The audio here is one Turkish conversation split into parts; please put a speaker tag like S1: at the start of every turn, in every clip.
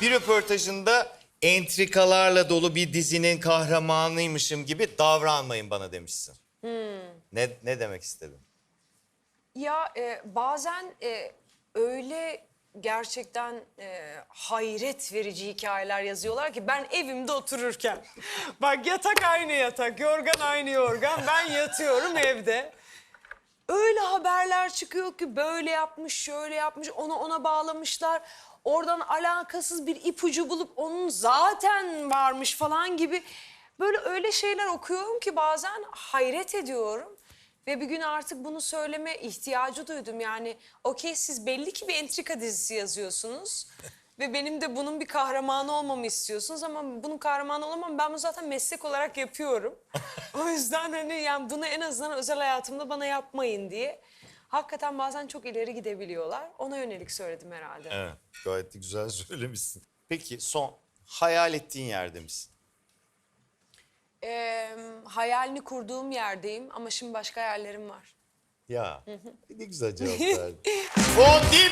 S1: Bir röportajında entrikalarla dolu bir dizinin kahramanıymışım gibi davranmayın bana demişsin. Ne demek istedin?
S2: Ya bazen öyle gerçekten hayret verici hikayeler yazıyorlar ki ben evimde otururken. Bak yatak aynı yatak, yorgan aynı yorgan. Ben yatıyorum evde. Öyle haberler çıkıyor ki böyle yapmış, şöyle yapmış, ona bağlamışlar. Oradan alakasız bir ipucu bulup onun zaten varmış falan gibi. Böyle öyle şeyler okuyorum ki bazen hayret ediyorum. Ve bir gün artık bunu söyleme ihtiyacı duydum. Yani okey siz belli ki bir entrika dizisi yazıyorsunuz. Ve benim de bunun bir kahramanı olmamı istiyorsunuz ama bunun kahramanı olamam. Ben bunu zaten meslek olarak yapıyorum. O yüzden hani yani bunu en azından özel hayatımda bana yapmayın diye. Hakikaten bazen çok ileri gidebiliyorlar. Ona yönelik söyledim herhalde.
S1: Evet, gayet de güzel söylemişsin. Peki son, hayal ettiğin yerde misin?
S2: Hayalini kurduğum yerdeyim ama şimdi başka hayallerim var.
S1: Ya, ne güzel cevap verdin. Fondip!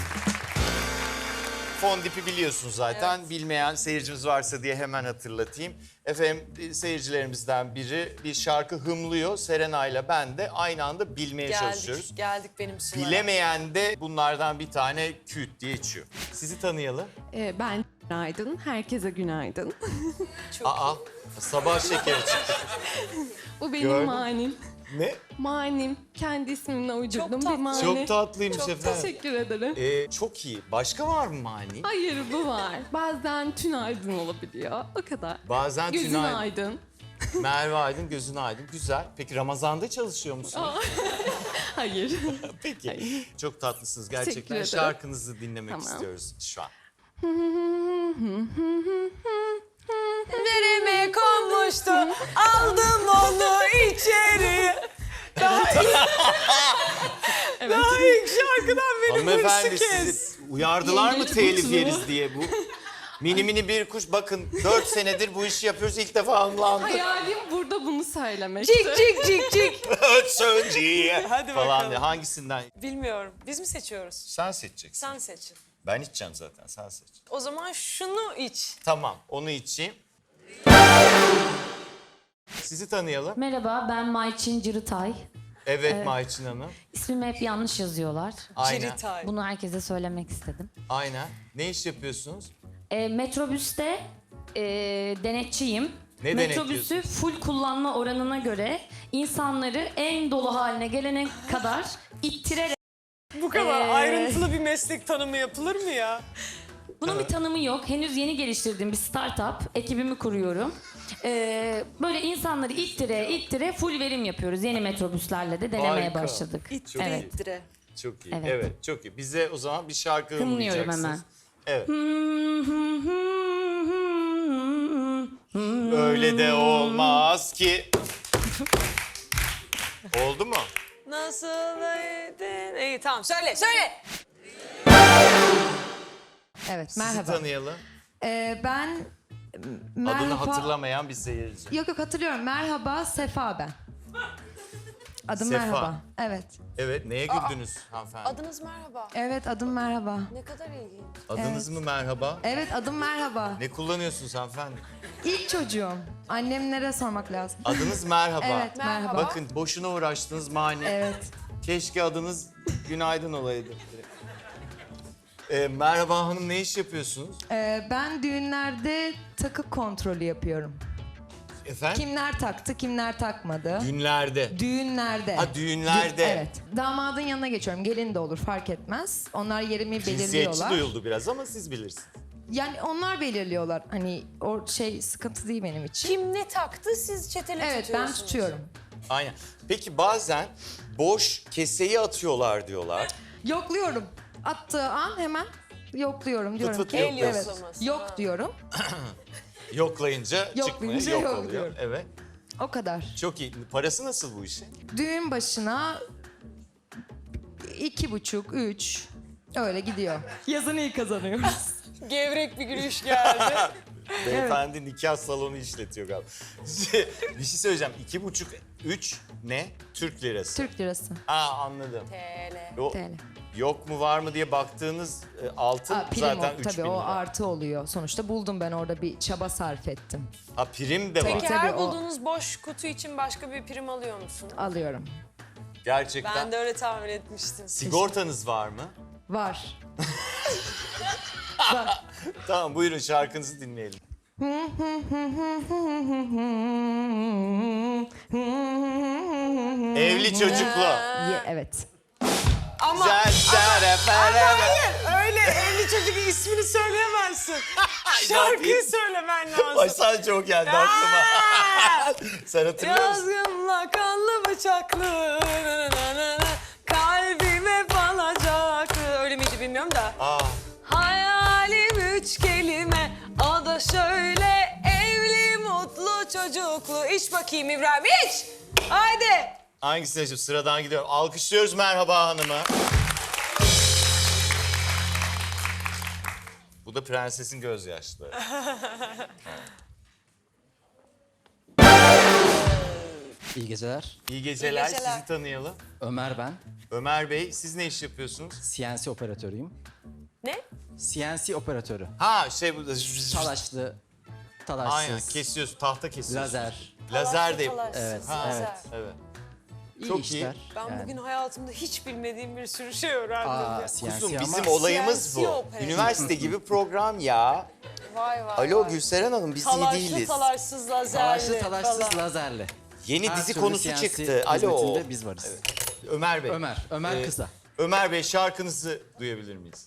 S1: Fondip'i biliyorsun zaten. Bilmeyen seyircimiz varsa diye hemen hatırlatayım. Efendim seyircilerimizden biri bir şarkı hımlıyor. Serenay'la ben de aynı anda bilmeye çalışıyoruz.
S2: Geldik benim sulara.
S1: Bilemeyen de bunlardan bir tane küt diye içiyor. Sizi tanıyalım.
S3: Ben günaydın, herkese günaydın.
S1: Aa, sabah şekeri çıktı.
S3: Bu benim
S1: Gördüm.
S3: manim.
S1: Ne?
S3: Manim, kendi ismimle uydurduğum bir
S2: tatlı.
S3: mani.
S1: Çok tatlıymış efendim.
S3: Teşekkür ederim.
S1: Çok iyi. Başka var mı mani?
S3: Hayır, bu var. Bazen tünaydın olabiliyor, o kadar.
S1: Bazen
S3: Gözün
S1: tünaydın.
S3: aydın.
S1: Merve Aydın, gözün aydın. Güzel. Peki Ramazan'da çalışıyor musun?
S3: Hayır.
S1: Peki. Çok tatlısınız
S3: Teşekkür
S1: gerçekten.
S3: ederim.
S1: Şarkınızı dinlemek
S3: Tamam.
S1: istiyoruz şu an.
S2: Nereme konmuştu, aldım onu içeri. Daha ilk şarkıdan beni
S1: Hanımefendi
S2: hırsı kes.
S1: sizi uyardılar mı
S3: Yengeç
S1: telif
S3: burcu.
S1: yeriz diye bu? Mini mini bir kuş, bakın 4 senedir bu işi yapıyoruz, ilk defa anlandı.
S3: Hayalim burada bunu söylemekti.
S2: Cik cik cik cik.
S1: Ötsönciye
S2: Hadi
S1: falan
S2: bakalım.
S1: diye. Hangisinden?
S2: Bilmiyorum. Biz mi seçiyoruz?
S1: Sen seçeceksin.
S2: Sen seçin.
S1: Ben içeceğim zaten, sen seç.
S2: O zaman şunu iç.
S1: Tamam, onu içeyim. Sizi tanıyalım.
S4: Merhaba, ben Mayçin Cırıtay.
S1: Evet Mayçin Hanım.
S4: İsmimi hep yanlış yazıyorlar.
S1: Aynen.
S2: Ciritay.
S4: Bunu herkese söylemek istedim.
S1: Aynen. Ne iş yapıyorsunuz?
S4: Metrobüste denetçiyim.
S1: Ne
S4: Metrobüsü
S1: denetliyorsunuz?
S4: full kullanma oranına göre insanları en dolu haline gelene kadar ittirerek...
S2: Bu kadar
S4: Ee,
S2: ayrıntılı bir meslek tanımı yapılır mı ya?
S4: Bunun bir tanımı yok. Henüz yeni geliştirdiğim bir startup. Ekibimi kuruyorum. Böyle insanları ittire full verim yapıyoruz. Yeni metrobüslerle de denemeye
S1: Harika.
S4: başladık.
S1: Çok
S4: Evet.
S1: iyi.
S2: İttire.
S1: Çok iyi. Evet.
S4: Evet.
S1: çok iyi. Bize o zaman bir şarkı
S4: Hımlıyorum
S1: hımlayacaksınız.
S4: hemen.
S1: Evet. Öyle de olmaz ki. Oldu mu?
S2: Nasıl edin? İyi tamam söyle söyle.
S5: Evet,
S1: Sizi
S5: merhaba.
S1: tanıyalım.
S5: Ben
S1: Adını
S5: merhaba.
S1: hatırlamayan bir seyirci.
S5: Yok hatırlıyorum. Merhaba Sefa ben. Adım
S1: Sefa.
S5: merhaba. Evet.
S1: Evet, neye güldünüz hanımefendi?
S2: Adınız merhaba.
S5: Evet adım merhaba.
S2: Ne kadar ilginç.
S1: Adınız mı merhaba?
S5: Evet adım merhaba.
S1: Ne kullanıyorsunuz hanımefendi?
S5: İlk çocuğum. Annemlere sormak lazım.
S1: Adınız merhaba.
S5: Evet merhaba.
S1: Bakın boşuna uğraştınız mani.
S5: Evet.
S1: Keşke adınız günaydın olaydı. Merhaba hanım, ne iş yapıyorsunuz?
S5: Ben düğünlerde takı kontrolü yapıyorum.
S1: Efendim?
S5: Kimler taktı, kimler takmadı.
S1: Günlerde.
S5: Düğünlerde.
S1: Ha, düğünlerde.
S5: Evet. Damadın yanına geçiyorum. Gelin de olur fark etmez. Onlar yerimi
S1: Cinsiyetçi
S5: belirliyorlar.
S1: duyuldu biraz ama siz bilirsiniz.
S5: Yani onlar belirliyorlar. Hani o şey sıkıntı değil benim için.
S2: Kim ne taktı siz çeteli
S5: Evet ben
S2: tutuyorsunuz.
S5: tutuyorum.
S1: Aynen. Peki bazen boş keseyi atıyorlar diyorlar.
S5: Yokluyorum. Attığı an hemen yokluyorum diyorum
S1: fıt
S5: ki.
S1: yok
S5: Evet.
S1: diyorsun.
S5: Yok diyorum.
S1: Yoklayınca çıkmıyor,
S5: Yoklayınca
S1: yok
S5: yok
S1: oluyor.
S5: diyorum.
S1: Evet.
S5: O kadar.
S1: Çok iyi. Parası nasıl bu işin?
S5: Düğün başına 2,5, 3 öyle gidiyor. Yazın iyi kazanıyoruz.
S2: Gevrek bir gülüş geldi.
S1: Beyefendi nikah salonu işletiyor galiba. Bir şey söyleyeceğim. 2,5, 3 ne? Türk lirası.
S5: Türk lirası.
S1: Aa, anladım.
S2: TL.
S1: O
S5: TL.
S1: yok mu var mı diye baktığınız altın
S5: Prim
S1: zaten
S5: o,
S1: 3000
S5: tabii o
S1: lira.
S5: artı oluyor. Sonuçta buldum ben orada bir çaba sarf ettim.
S1: Ha prim de var.
S2: Peki
S5: Tabii,
S2: her
S5: o-
S2: bulduğunuz boş kutu için başka bir prim alıyor musun?
S5: Alıyorum.
S1: Gerçekten.
S2: Ben de öyle tahmin etmiştim.
S1: Sigortanız var mı?
S5: Var.
S1: Tamam buyurun şarkınızı dinleyelim. Evli çocuklu.
S5: Evet.
S2: Ama hayır öyle evli çocuk ismini söyleyemezsin. Şarkıyı söylemen lazım.
S1: Baştan çok geldi aklıma. Sen hatırlıyor musun?
S2: Yazgınla kanlı bıçaklı kalbime falacaktı. Öyle miydi bilmiyorum da.
S1: Aa,
S2: Hayalim 3 kelime o da şöyle evli mutlu çocuklu. İç bakayım İbrahim iç. Haydi.
S1: hangisine şimdi sıradan gidiyorum. Alkışlıyoruz Merhaba Hanım'ı. Bu da prensesin gözyaşları.
S6: İyi geceler.
S1: İyi geceler,
S2: İyi geceler.
S1: sizi tanıyalım.
S6: Ömer ben.
S1: Ömer Bey, siz ne iş yapıyorsunuz?
S6: CNC operatörüyüm.
S2: Ne?
S6: CNC operatörü.
S1: Ha şey bu...
S6: Talaşlı, talaşsız.
S1: Aynen kesiyorsun, tahta kesiyorsun.
S6: Lazer.
S1: Lazer de...
S2: Talaş,
S6: Evet,
S2: talaş,
S6: evet.
S2: lazer.
S1: Evet.
S6: İyi
S1: Çok iyi.
S6: işler.
S2: Ben
S6: yani.
S2: bugün hayatımda hiç bilmediğim bir sürü şey öğrendim.
S6: Aa,
S2: ya.
S6: CNC
S1: Kuzum
S6: ama
S1: bizim olayımız
S2: CNC
S1: bu.
S2: operatör.
S1: Üniversite gibi program ya.
S2: Vay vay
S1: Alo
S2: vay.
S1: Gülseren Hanım biz iyi
S2: Talaşlı
S1: değiliz.
S2: talaşsız lazerli
S6: talaşlı, talaşsız,
S2: falan.
S6: lazerli.
S1: Yeni
S6: Her
S1: dizi
S6: türlü
S1: konusu
S6: CNC
S1: çıktı. Alo.
S6: hizmetinde biz varız.
S1: Ömer Bey.
S6: Ömer
S1: Ee,
S6: kısa.
S1: Ömer Bey şarkınızı duyabilir miyiz?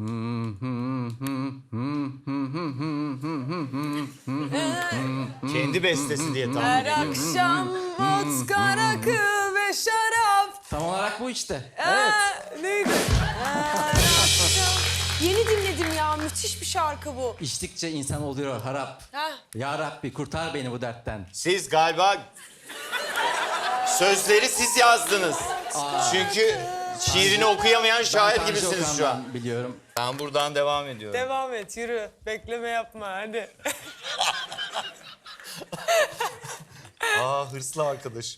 S1: Kendi bestesi diye tahmin
S2: Her
S1: ediyorum.
S2: akşam vodka, rakı ve şarap.
S6: Tam olarak bu işte.
S2: Evet. Neydi? Her akşam. Yeni dinledim ya. Müthiş bir şarkı bu.
S6: İçtikçe insan oluyor harap.
S2: Ha.
S6: Ya Rabbi kurtar beni bu dertten.
S1: Siz galiba sözleri siz yazdınız. Çünkü şiirini okuyamayan şair
S6: Ben Tanju
S1: gibisiniz şu an.
S6: Okan'dan biliyorum.
S1: Ben buradan devam ediyorum.
S2: Devam et yürü. Bekleme yapma hadi.
S1: Aa hırslı arkadaşım.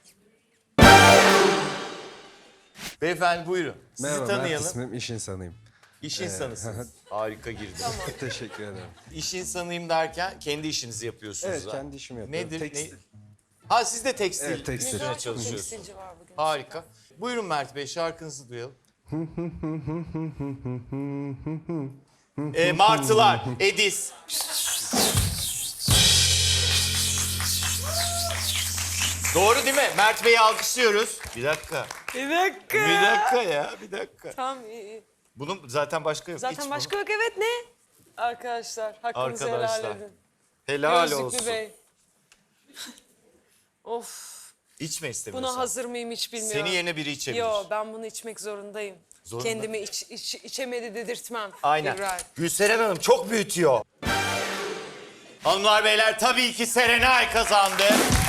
S1: Beyefendi buyurun. Sizi
S7: Merhaba, Mert
S1: tanıyalım.
S7: ismim, iş insanıyım.
S1: İş insanısınız. Harika girdi.
S7: Teşekkür ederim.
S1: İş insanıyım derken kendi işinizi yapıyorsunuz.
S7: Evet,
S1: ha?
S7: kendi işimi yapıyorum.
S1: Nedir?
S7: Tekstil.
S1: Ha siz de tekstil.
S7: Evet, tekstil.
S1: üzerine
S2: Çok
S1: çalışıyorsunuz.
S2: tekstilci var bugün.
S1: Harika. Buyurun Mert Bey şarkınızı duyalım. Martılar, Edis. Doğru değil mi? Mert Bey'i alkışlıyoruz. Bir dakika.
S2: Bir dakika.
S1: Bir dakika ya, bir dakika.
S2: Tamam iyi.
S1: Bunun zaten başka yok.
S2: Zaten
S1: İç
S2: başka
S1: bunu.
S2: yok evet ne? Arkadaşlar hakkınızı helal
S1: Arkadaşlar.
S2: edin.
S1: Helal
S2: Gözlüklü
S1: olsun.
S2: Bey. Of.
S1: İçme istemiyorsan.
S2: Buna hazır mıyım hiç bilmiyorum.
S1: Seni yerine biri içebilir.
S2: Yo ben bunu içmek zorundayım.
S1: Zorunda.
S2: Kendimi içemedi dedirtmem.
S1: Aynen.
S2: İbrahim.
S1: Gülseren Hanım çok büyütüyor. Hanımlar beyler tabii ki Serenay kazandı.